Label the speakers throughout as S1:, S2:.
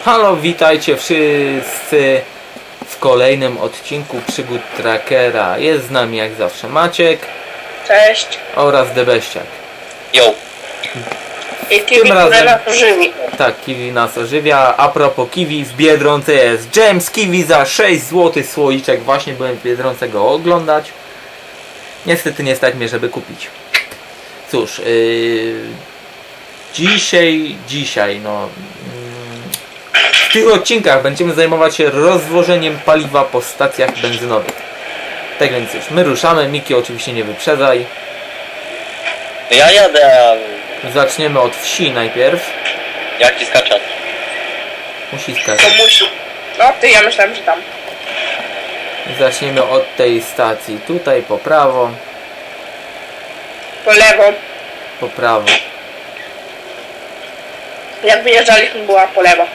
S1: Halo, witajcie wszyscy w kolejnym odcinku Przygód Trackera. Jest z nami jak zawsze Maciek.
S2: Cześć.
S1: Oraz Debeściak.
S3: Yo.
S2: I Kiwi, które nas ożywi.
S1: Tak, Kiwi nas ożywia. A propos Kiwi, w Biedronce jest James Kiwi za 6 zł słoiczek. Właśnie byłem w Biedronce go oglądać. Niestety nie stać mnie, żeby kupić. Cóż, dzisiaj w tych odcinkach będziemy zajmować się rozwożeniem paliwa po stacjach benzynowych. Tak więc już, my ruszamy. Miki, oczywiście nie wyprzedzaj.
S3: Ja jadę, a
S1: Zaczniemy od wsi najpierw.
S3: jak ci skaczać?
S1: Musi
S2: To
S1: skakać.
S2: musi. No ty, ja myślałem, że tam.
S1: Zaczniemy od tej stacji. Tutaj po prawo.
S2: Po lewo.
S1: Po prawo.
S2: Jak wyjeżdżaliśmy, była po lewo.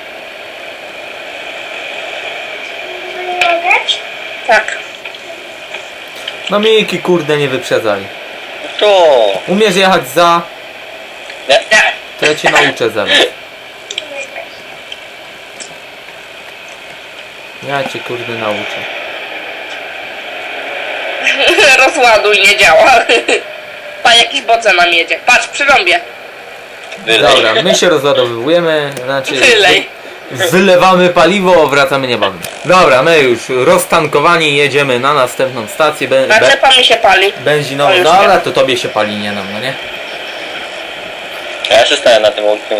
S2: Tak.
S1: No Miki, kurde, nie wyprzedzaj.
S3: To.
S1: Umiesz jechać za?
S3: Nie.
S1: To ja cię nauczę zaraz. Ja cię kurde nauczę.
S2: Rozładuj, nie działa. Pa, jakiś bodze nam jedzie. Patrz, przy rąbie.
S3: Wylej.
S1: Dobra, my się rozładowujemy, znaczy
S2: Wylej.
S1: wylewamy paliwo, wracamy niebawem. Dobra, my już roztankowani jedziemy na następną stację
S2: Naczepa mi się pali.
S1: benzinową.
S2: O, już
S1: Dobra,
S2: wiem.
S1: to tobie się pali, nie nam, no nie?
S3: Ja się stałem na tym łącznym.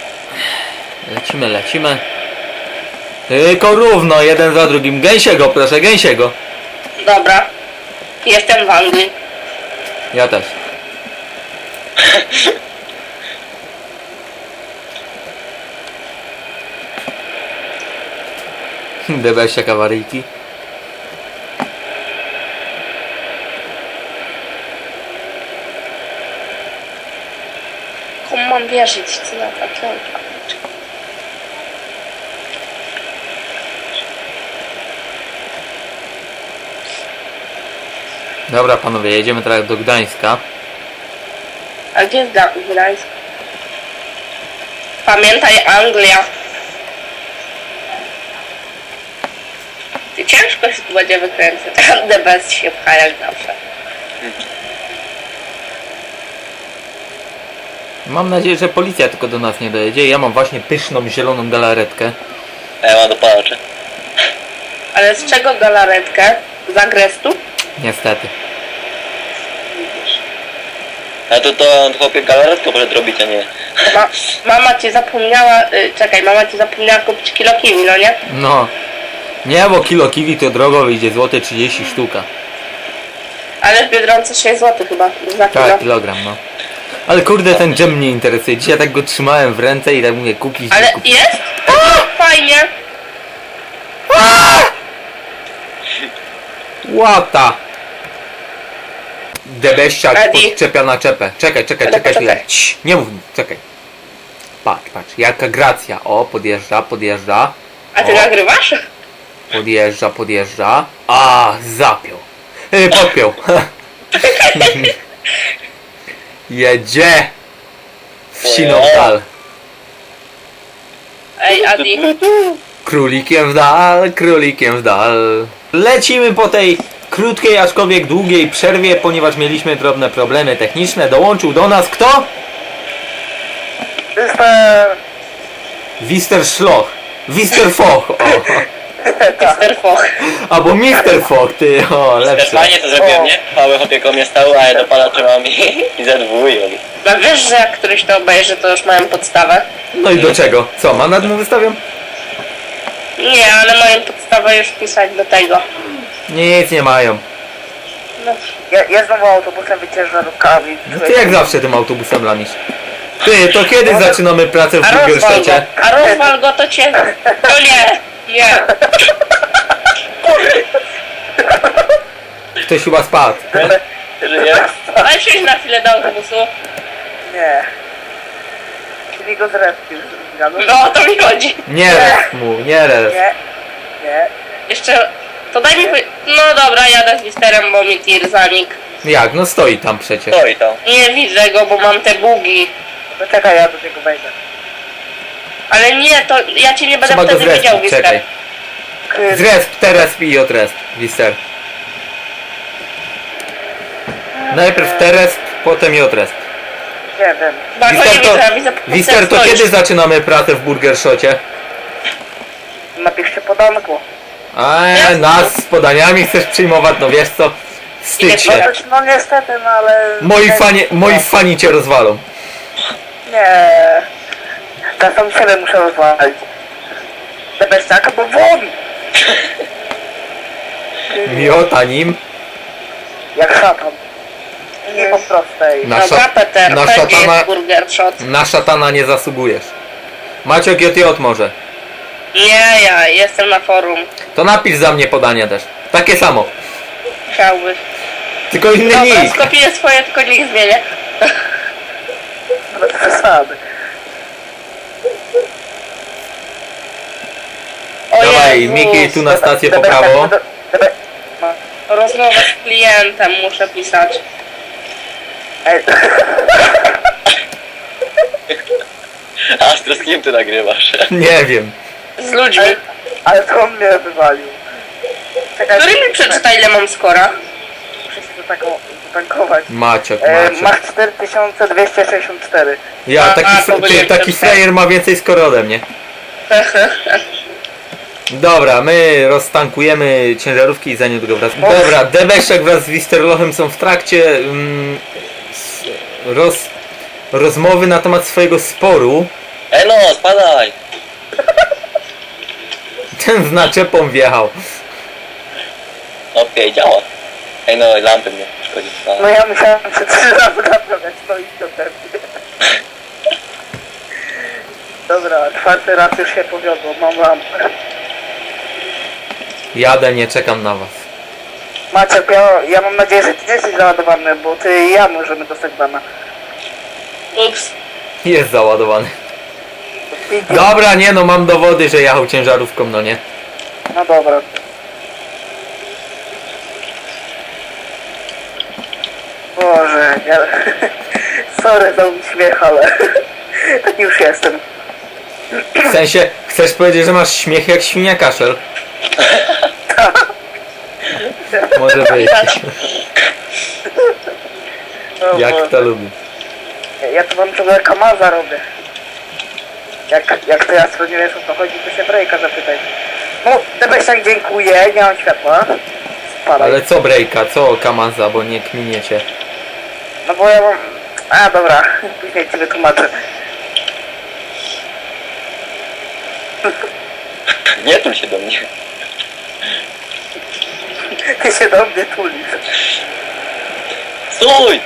S1: Lecimy. Tylko równo, jeden za drugim. Gęsiego, proszę, gęsiego.
S2: Dobra. Jestem w Anglii.
S1: Ja też. Debeściak awaryjki.
S2: Komu mam wierzyć, co na takiego?
S1: Dobra panowie, jedziemy teraz do Gdańska.
S2: A gdzie jest Gdańsk? Pamiętaj, Anglia. Ty ciężko się tu będzie wykręcać. The best się pcha jak zawsze.
S1: Mam nadzieję, że policja tylko do nas nie dojedzie. Ja mam właśnie pyszną, zieloną galaretkę.
S3: A ja mam dopalacze.
S2: Ale z czego galaretkę? Z agrestu?
S1: Niestety.
S3: A to chłopie galaretkę może robić, a nie.
S2: Mama ci zapomniała, mama ci zapomniała kupić kilo kiwi, no nie?
S1: No. Nie, bo kilo kiwi to drogo wyjdzie, złote 30 sztuka.
S2: Ale w Biedronce 6 zł chyba za kilo.
S1: Tak, kilogram, no. Ale kurde, ten dżem mnie interesuje. Dzisiaj tak go trzymałem w ręce i tak mówię kupić.
S2: Ale
S1: nie kupić.
S2: jest? Fajnie.
S1: Łata! Debeściak
S2: Adi.
S1: podczepia na czepę. Czekaj
S2: Ale
S1: chwilę.
S2: poczekaj.
S1: Cii, nie mów mi, czekaj. Patrz, jaka gracja. O, podjeżdża.
S2: A ty
S1: O.
S2: nagrywasz?
S1: Podjeżdża. A, zapiął. Podpiął. Jedzie. Wsiną w dal.
S2: Ej, Adi.
S1: Królikiem w dal. Lecimy po tej krótkiej, aczkolwiek długiej przerwie, ponieważ mieliśmy drobne problemy techniczne. Dołączył do nas kto? Wister Szloch. Wister Foch. O.
S2: Mr. Foch.
S1: Albo Mister Foch, ty. O,
S3: Też
S1: lepsze.
S3: fajnie to zrobiłem, nie? Mały chłopie koło mnie stał, a ja dopalacze mam i ZWuję.
S2: No wiesz, że jak któryś to obejrzy, to już mają podstawę?
S1: No i do czego? Co, mandat mu wystawiam?
S2: Nie, ale mają podstawę już pisać do tego.
S1: Nic nie mają.
S2: No.
S4: Ja znowu autobusem ciężarówkami.
S1: No ty jak zawsze tym autobusem lamisz. Ty, to kiedy zaczynamy pracę w
S2: A rozwal go,
S1: Budgersztacie?
S2: to cię... To nie, nie.
S1: Ktoś chyba spadł.
S3: Żyję?
S2: Ale przyjdź na chwilę do autobusu.
S4: Nie. Czyli go zrespił.
S2: No, o to mi chodzi.
S1: Nie res mu, nie res.
S4: Nie. Nie.
S2: Jeszcze... To daj mi... No dobra, jadę z Wisterem, bo mi tir zanik.
S1: Jak? No stoi tam przecież.
S3: Stoi tam.
S2: Nie widzę go, bo mam te bugi.
S4: No czekaj, ja do tego wejdę.
S2: Ale nie, to ja cię nie będę
S1: Trzeba go
S2: wtedy widział,
S1: zrespić, czekaj.
S2: Wister.
S1: Zresp, teraz i odresp, Wister. Najpierw teresp, potem i odresp.
S4: Nie wiem.
S2: Bo to nie widzę,
S1: Wister, to kiedy zaczynamy pracę w Burger Shocie?
S4: Napiszcie podanku.
S1: Nas z podaniami chcesz przyjmować, no wiesz co? Wstydź się.
S4: No niestety, no ale...
S1: Moi fani cię rozwalą.
S4: Nie. Ja sam siebie muszę rozwalić. Debeszczaka, bo won!
S1: Miota nim.
S4: Jak szatan. Nie po prostej.
S1: Na,
S2: Dobra, Peter,
S1: na,
S2: będzie
S1: szatana,
S2: burger shot.
S1: na szatana nie zasługujesz. Maciok JJ może.
S2: Nie, ja jestem na forum.
S1: To napisz za mnie podanie też. Takie samo.
S2: Chciałby.
S1: Tylko inny
S2: Dobra,
S1: nick.
S2: skopiuję swoje, tylko niech zmienię.
S4: Bez przesady.
S2: O
S1: Dawaj,
S2: Jezus,
S1: Miki tu na stację po prawo.
S4: No.
S2: rozmowę z klientem muszę pisać.
S4: Ej,
S3: Astro, z kim ty nagrywasz?
S1: Nie wiem.
S2: Z ludźmi.
S4: ale to on mnie wywalił. Czekaj,
S2: Który mi przeczyta, ile mam skora?
S4: muszę się zatankować.
S1: Maciok.
S4: Masz 4264.
S1: Ja,
S2: A,
S1: taki,
S2: to byli
S1: taki
S2: jeszcze
S1: frajer ma więcej skoro ode mnie. Dobra, my roztankujemy ciężarówki i za niedługo wracamy. Dobra, Debeszek wraz z Wisterlochem są w trakcie rozmowy na temat swojego sporu.
S3: Ej no, spadaj!
S1: Ten z naczepą wjechał.
S3: Okej, działa. Ej no, lampy mnie szkodzi.
S4: No ja musiałem się 3 razy naprawiać, no i to pewnie. Dobra, 4. raz już się powiodło, mam lampę.
S1: Jadę, nie czekam na was.
S4: Maciek, ja mam nadzieję, że ty nie jesteś załadowany, bo ty i ja możemy dostać bana.
S2: Ups.
S1: Jest załadowany. Dobra, nie no, mam dowody, że jechał ciężarówką, no nie.
S4: No dobra. Boże, ja... Sorry za śmiech, ale... Tak już jestem.
S1: W sensie, chcesz powiedzieć, że masz śmiech jak świnia kaszel? Może być.
S4: O
S1: Jak
S4: Boże.
S1: to lubi.
S4: Ja tu wam ciągle Kamaza robię. Jak to ja nie wiesz o co chodzi, to się Brejka zapytaj. No, Debeszak dziękuję, nie mam światła. Spadaj.
S1: Ale co breaka, co Kamaza, bo nie kminiecie.
S4: No bo ja mam... A dobra, później ci wytłumaczę.
S3: Nie tul się do mnie.
S4: Ty się do mnie tulisz.
S3: Stój!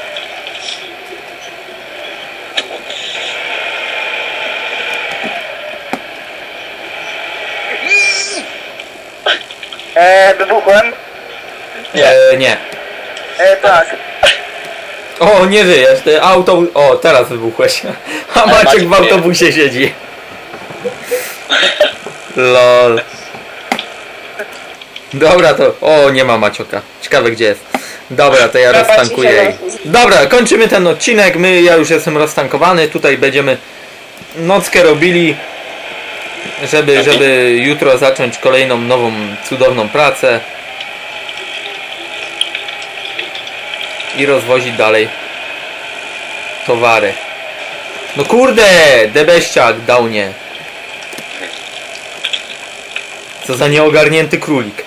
S4: Wybuchłem?
S1: Nie.
S4: Tak.
S1: O, nie żyjesz, ty auto... O, teraz wybuchłeś. A Maciek
S3: Maciek
S1: w autobusie siedzi. Lol. Dobra, to... O, nie ma Macioka. Ciekawe gdzie jest. Dobra, to ja
S2: Dobra,
S1: roztankuję.
S2: ci się
S1: Dobra, kończymy ten odcinek. Ja już jestem roztankowany. Tutaj będziemy nockę robili, żeby jutro zacząć kolejną nową, cudowną pracę. I rozwozić dalej towary. No kurde, Debeściak dał nie. Co za nieogarnięty królik.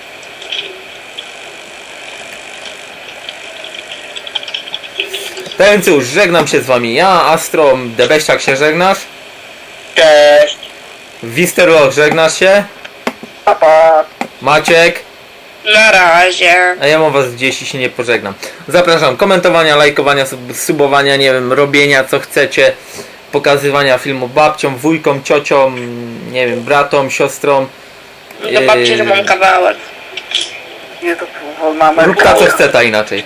S1: Ten cóż, żegnam się z wami. Ja, Astro, Debeściak się żegnasz?
S3: Cześć!
S1: Wisterloch, żegnasz się?
S4: Papa.
S1: Maciek?
S2: Na razie.
S1: A ja mam was gdzieś i się nie pożegnam. Zapraszam komentowania, lajkowania, subowania, nie wiem, robienia co chcecie. Pokazywania filmów babciom, wujkom, ciociom, nie wiem, bratom, siostrom.
S2: Do babci, że mam kawałek.
S4: Nie to mamy.
S1: Rób ta co chce, ta inaczej.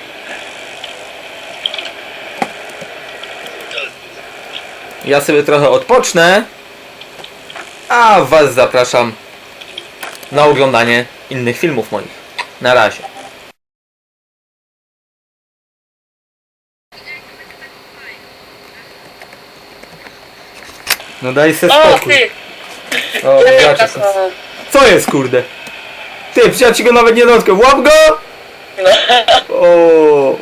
S1: Ja sobie trochę odpocznę. A was zapraszam na oglądanie innych filmów moich. Na razie. No daj se
S2: O,
S1: spokój.
S2: ty!
S1: O,
S2: Ja
S1: gracze są. Co jest, kurde? Ty, przecież ja ci go nawet nie dotknę. Łap go! O.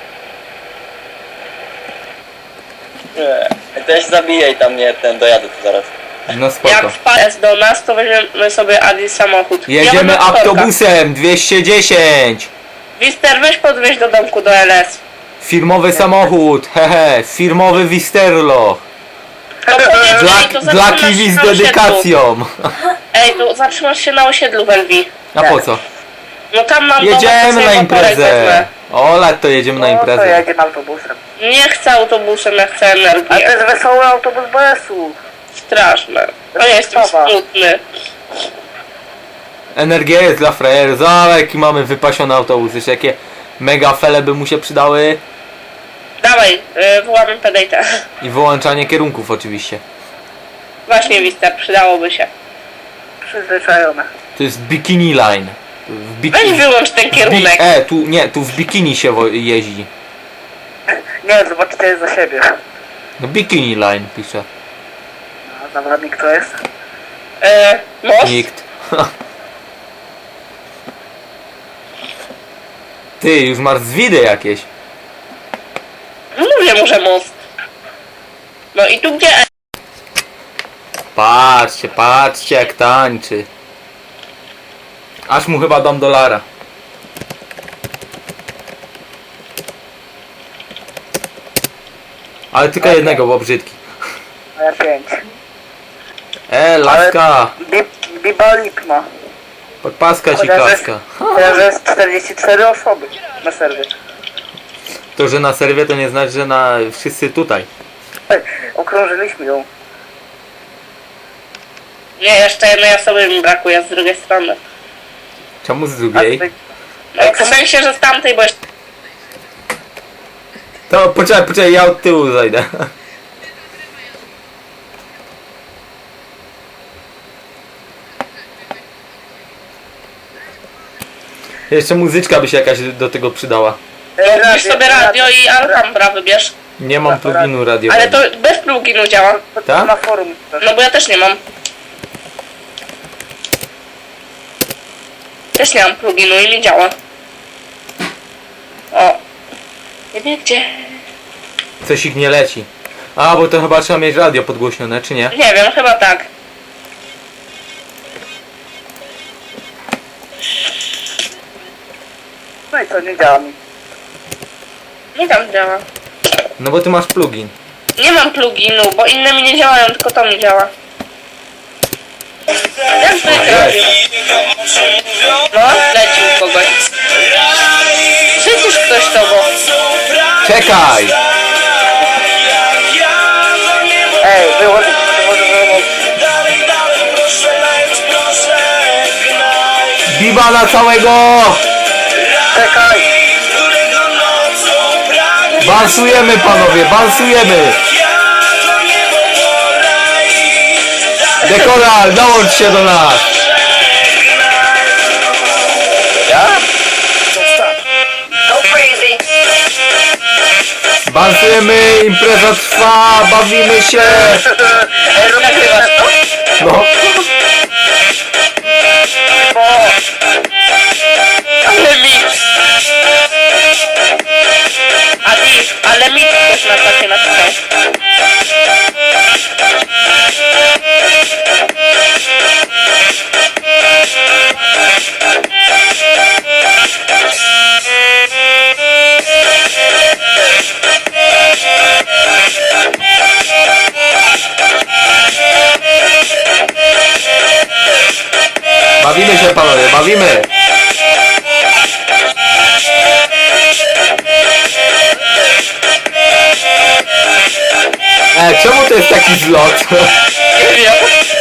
S3: Też zabijaj tam mnie, ten dojadę tu zaraz.
S1: No spoko.
S2: Jak wpadł do nas, to weźmiemy sobie Adi samochód.
S1: Jedziemy
S2: Ja mam motorka.
S1: autobusem 210.
S2: Wister, weź podwieźć do domku do LS.
S1: Firmowy samochód, hehe, firmowy Wisterlo.
S2: To powiedz,
S1: Dla,
S2: ej, to
S1: dla
S2: zatrzymasz
S1: kiwi
S2: się
S1: z
S2: na osiedlu.
S1: dedykacją.
S2: Ej, to zatrzymasz się na osiedlu w Elwi.
S1: A po co?
S2: No tam mam
S1: Jedziemy
S2: dom, to
S1: na
S2: sobie motorek
S1: imprezę.
S2: wezmę.
S1: Ola, to jedziemy na
S4: No to
S1: imprezę.
S4: jedziemy autobusem.
S2: Nie chcę autobusem, ja chcę
S4: A to
S2: energię.
S4: jest wesoły autobus BS-u.
S2: Straszne. No ja jestem
S4: Sprawa.
S2: smutny.
S1: Energia jest dla frajerów. Zobacz, jaki mamy wypasiony autobus. Jeszcze jakie mega fele by mu się przydały.
S2: Dawaj, wołamy pedejta.
S1: I wyłączanie kierunków oczywiście.
S2: Właśnie, Wister, przydałoby się.
S4: Przyzwyczajone.
S1: To jest bikini line. W
S2: Weź wyłącz ten kierunek.
S1: tu nie, tu w bikini się jeździ.
S4: Nie, zobaczcie za siebie.
S1: No bikini line pisze.
S4: A zawodnik kto jest?
S2: Most?
S1: Nikt. Ty, już masz zwidy jakieś.
S2: No mówię mu, że most. No i tu gdzie?
S1: Patrzcie, patrzcie jak tańczy. Aż mu chyba dam dolara. Ale tylko jednego, bo brzydki.
S4: A ja 5.
S1: Laska!
S4: Biba Lipma.
S1: Podpaska ci
S4: Chociaż
S1: kaska.
S4: Chociaż jest 44 osoby na serwie.
S1: To, że na serwie to nie znaczy, że na wszyscy tutaj.
S4: Ej, okrążyliśmy ją.
S2: Nie, jeszcze jednej osoby mi brakuje z drugiej strony.
S1: Czemu z
S4: A
S1: drugiej?
S4: tutaj-
S2: No, w sensie, że z tamtej, bo jeszcze...
S1: To poczekaj, ja od tyłu zajdę. Jeszcze muzyczka by się jakaś do tego przydała.
S2: Weź sobie radio i Alhambra wybierz.
S1: Nie mam pluginu radio.
S2: Ale to bez pluginu działa.
S4: To
S1: Tak?
S4: na forum też.
S2: No bo ja też nie mam. Też nie mam pluginu i mi działa. O. Nie wiem gdzie.
S1: Coś ich nie leci. A, bo to chyba trzeba mieć radio podgłośnione, czy nie?
S2: Nie wiem, chyba tak.
S4: No i co, nie działa mi.
S2: Nie tam działa.
S1: No bo ty masz plugin.
S2: Nie mam pluginu, bo inne mi nie działają, tylko to mi działa. Jak to jest radio? No, lecił kogoś. Przecież ktoś tobą.
S1: Czekaj!
S4: Ej, wyłącz.
S1: Biba na całego!
S4: Czekaj.
S1: Bansujemy panowie, bansujemy! Dekoral, dołącz się do nas!
S4: Ja?
S1: Bansujemy, impreza trwa, bawimy się!
S4: Ej, nagrywasz to?
S1: No,
S2: Ale mix. Ale mix też na takie napisał.
S1: bawimy się panowie, bawimy! Czemu to jest taki zlot?
S2: Nie wiem.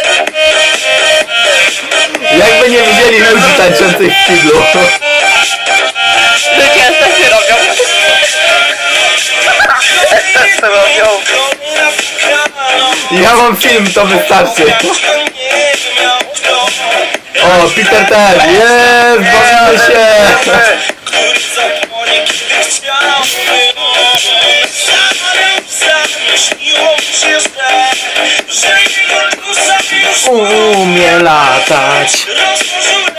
S1: Jakby nie widzieli ludzi tańczących w kiblu.
S2: Ludzie sobie robią.
S4: Też to robią.
S1: Ja mam film, to wystarczy. O, Peter też, jest, bawimy się.
S5: Śniło mi się, że
S1: umie latać.
S5: Rozłożyłem